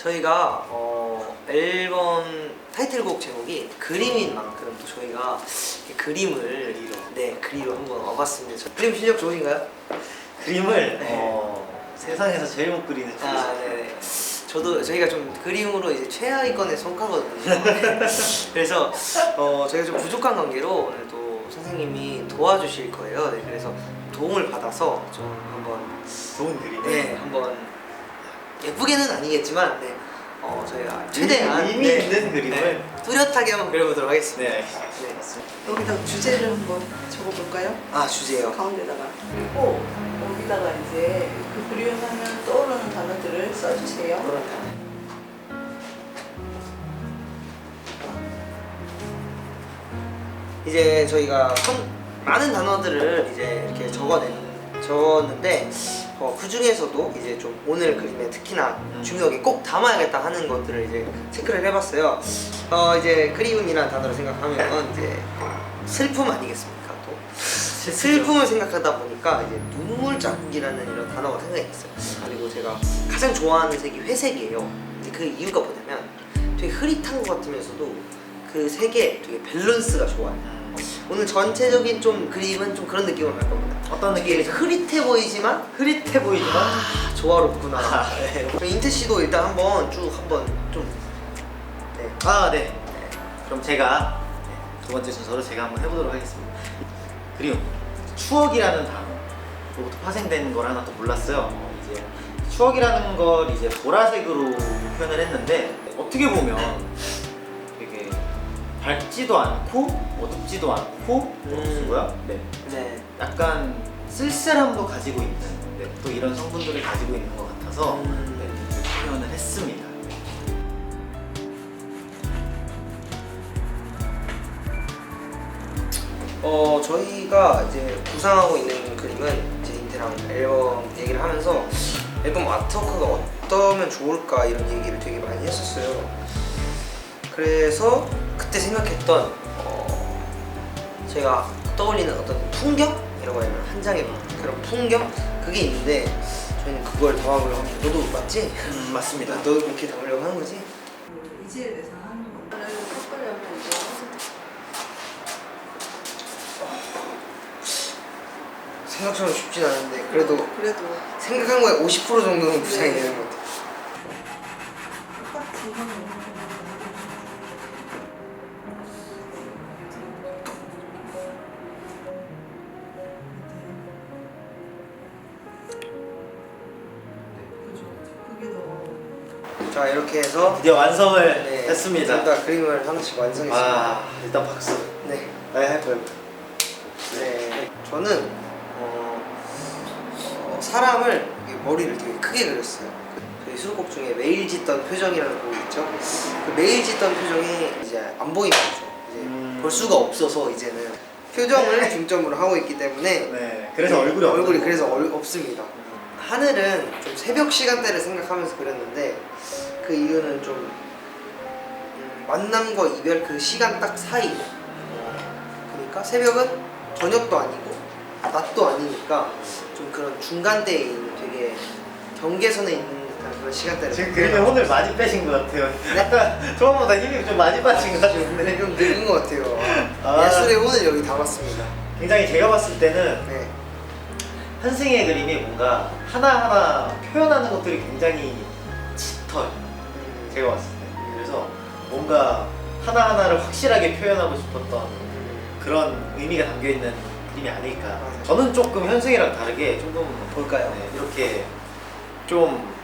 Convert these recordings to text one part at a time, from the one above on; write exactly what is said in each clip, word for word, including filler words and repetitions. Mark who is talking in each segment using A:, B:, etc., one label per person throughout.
A: 저희가 어, 앨범 타이틀곡 제목이 그림인 만큼 또 저희가 그림을
B: 그리러.
A: 네 그리러 한번 와봤습니다. 저 그림 실력 좋으신가요?
B: 그림을
A: 네.
B: 어, 세상에서 제일 못 그리는
A: 아, 네. 저도 저희가 좀 그림으로 이제 최하위권에 속하거든요. 그래서 어, 저희가 좀 부족한 관계로 오늘 또 선생님이 도와주실 거예요. 네, 그래서 도움을 받아서 좀 한번
B: 좋은 그림.
A: 네 한번 예쁘게는 아니겠지만 네, 어, 저희가 최대한
B: 의미
A: 네,
B: 있는 그림을
A: 네, 뚜렷하게 한번 그려보도록 하겠습니다.
B: 네.
A: 네.
C: 여기다 주제를 한번 적어볼까요?
A: 아 주제요.
C: 가운데다가. 그리고 여기다가 이제 그 그리움하면 떠오르는 단어들을 써주세요.
A: 그렇다. 이제 저희가 선- 많은 단어들을 이제 이렇게 적어낸 적었는데 어, 그 중에서도 이제 좀 오늘 그림에 특히나 중요하게 꼭 담아야겠다 하는 것들을 이제 체크를 해봤어요. 어, 이제 그리움이라는 단어를 생각하면 이제 슬픔 아니겠습니까? 또 슬픔을 생각하다 보니까 이제 눈물 자국이라는 이런 단어가 생각이 났어요. 그리고 제가 가장 좋아하는 색이 회색이에요. 근데 그 이유가 뭐냐면 되게 흐릿한 것 같으면서도 그 색의 되게 밸런스가 좋아요. 오늘 전체적인 좀 그림은 좀 그런 느낌으로 갈 겁니다.
B: 어떤
A: 되게
B: 느낌이죠?
A: 흐릿해 보이지만
B: 흐릿해 보이지만
A: 아, 조화롭구나.
B: 아, 네.
A: 그럼 인태 씨도 일단 한번 쭉 한번 좀 네.
B: 아, 네. 네. 그럼 제가 네, 두 번째 순서로 제가 한번 해보도록 하겠습니다. 그리움, 추억이라는 단어로부터 파생된 걸 하나 또 몰랐어요. 어, 이제 추억이라는 걸 이제 보라색으로 표현을 했는데 어떻게 보면 되게 밝지도 않고 어둡지도 않고
A: 음.
B: 뭐야? 네.
A: 네.
B: 약간 쓸쓸함도 가지고 있는 네, 또 이런 성분들을 가지고 있는 것 같아서
A: 음.
B: 네, 이렇게 표현을 했습니다.
A: 어 저희가 이제 구상하고 있는 그림은 이제 인태랑 앨범 얘기를 하면서 앨범 아트워크가 어떠면 좋을까 이런 얘기를 되게 많이 했었어요. 그래서 그때 생각했던 어 제가 떠올리는 어떤 풍경이라고 해야 되나 한 장의 그런 풍경 그게 있는데 저희는 그걸 담아보려고 합니다. 너도 맞지?
B: 음, 맞습니다.
A: 너도 그렇게 담으려고 하는 거지?
C: 이지에 대해서 하는 거를 섞으려면 이제
A: 생각처럼 쉽진 않은데 그래도
C: 그래도
A: 생각한 거에 오십 퍼센트 정도는 구상이
C: 네.
A: 되는 것 같아요.
C: 똑같이 하면 그게 더
A: 자 이렇게 해서
B: 드디어 완성을
A: 네,
B: 했습니다.
A: 둘 다 그림을 하나씩 완성했습니다.
B: 아, 일단 박수.
A: 네.
B: 네, 해봐요.
A: 네. 저는 어, 어, 사람을 이렇게 머리를 되게 크게 그렸어요. 그 저희 수록곡 중에 매일 짓던 표정이라는 곡이 있죠. 그 매일 짓던 표정이 이제 안 보이는 거죠. 이제
B: 음.
A: 볼 수가 없어서 이제는 표정을 중점으로 하고 있기 때문에
B: 네, 그래서
A: 네,
B: 얼굴이
A: 얼굴이
B: 없는
A: 그래서
B: 거고.
A: 얼, 없습니다. 하늘은 좀 새벽 시간대를 생각하면서 그렸는데 그 이유는 좀 음, 만남과 이별 그 시간 딱 사이 어, 그러니까 새벽은 저녁도 아니고 낮도 아니니까 좀 그런 중간대에 있는 되게 경계선에 있는 듯한 그런 시간대를
B: 지금 그림에 혼을 많이 빼신 것 같아요. 약간 처음보다 힘이 좀 많이 빠진 것 같은데.
A: 네, 좀 늙은 것 같아요.
B: 아.
A: 예술의 혼을 여기 담았습니다.
B: 굉장히 제가 봤을 때는
A: 네.
B: 한승의 그림이 뭔가 하나하나 표현하는 것들이 굉장히 짙어요.
A: 음,
B: 제가 봤을 때. 그래서 뭔가 하나하나를 확실하게 표현하고 싶었던
A: 음,
B: 그런 의미가 담겨있는 그림이 아닐까.
A: 맞아요.
B: 저는 조금 현승이랑 다르게 조금
A: 볼까요?
B: 네, 이렇게 좀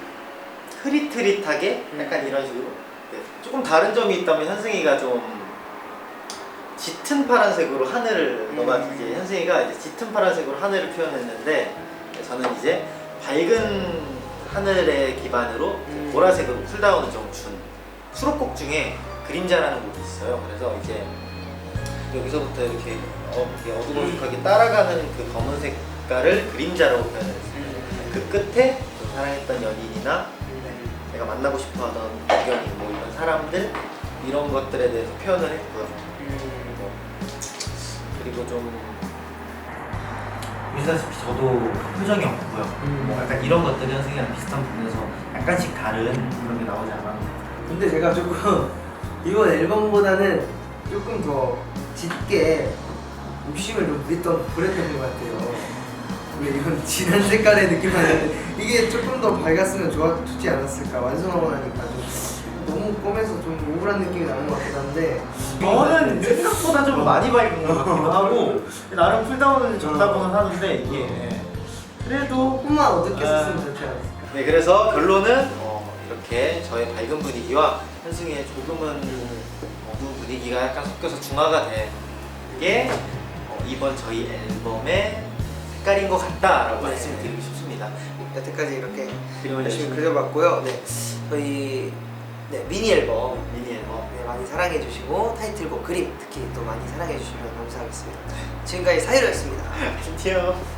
B: 흐릿흐릿하게
A: 음.
B: 약간 이런 식으로 네, 조금 다른 점이 있다면 현승이가 좀 짙은 파란색으로 하늘을
A: 음.
B: 너가 이제 현승이가 이제 짙은 파란색으로 하늘을 표현했는데 저는 이제 밝은 하늘의 기반으로
A: 음.
B: 보라색으로 쿨다운을 좀 준 수록곡 중에 그림자라는 곡이 있어요. 그래서 이제 여기서부터 이렇게, 어, 이렇게 어둑어둑하게 따라가는 그 검은 색깔을 그림자라고 표현했어요.
A: 음,
B: 그 끝에 그 사랑했던 연인이나
A: 음,
B: 내가 만나고 싶어하던 국연인 뭐 이런 사람들 이런 것들에 대해서 표현을 했고요.
A: 음.
B: 그리고 좀 보시다시피 저도 표정이 없고요.
A: 음.
B: 뭐 약간 이런 것들이 현승이랑 비슷한 부분에서 약간씩 다른 그런 게 나오지 않았나.
A: 근데 제가 조금 이번 앨범보다는 조금 더 짙게 욕심을 좀 부렸던, 부렸던 것 같아요. 원래 이건 진한 색깔의 느낌 나는데 이게 조금 더 밝았으면 좋아, 좋지 않았을까. 완성하고 나니까 좀 너무 검해서 좀 우울한 느낌이 나는 것 같긴 한데
B: 저는 생각보다 좀 많이 밝은 것 같기도 하고 나름 풀다운을 적다고는 하는데 이게 그래도
A: 조금만 어둡게 썼으면 좋지 않았을까.
B: 네, 그래서 결론은 어, 이렇게 저의 밝은 분위기와 현승이의 조금은 어두운 분위기가 약간 섞여서 중화가 된 게 어, 이번 저희 앨범의 색깔인 것 같다라고
A: 네.
B: 말씀드리고 싶습니다.
A: 여태까지 이렇게
B: 그림을
A: 열심히
B: 열심히
A: 그려봤고요. 네, 저희 네, 미니 앨범
B: 미니 앨범
A: 네, 많이 사랑해주시고 타이틀곡 그림 특히 또 많이 사랑해주시면 감사하겠습니다. 지금까지 사유로였습니다.
B: 안녕.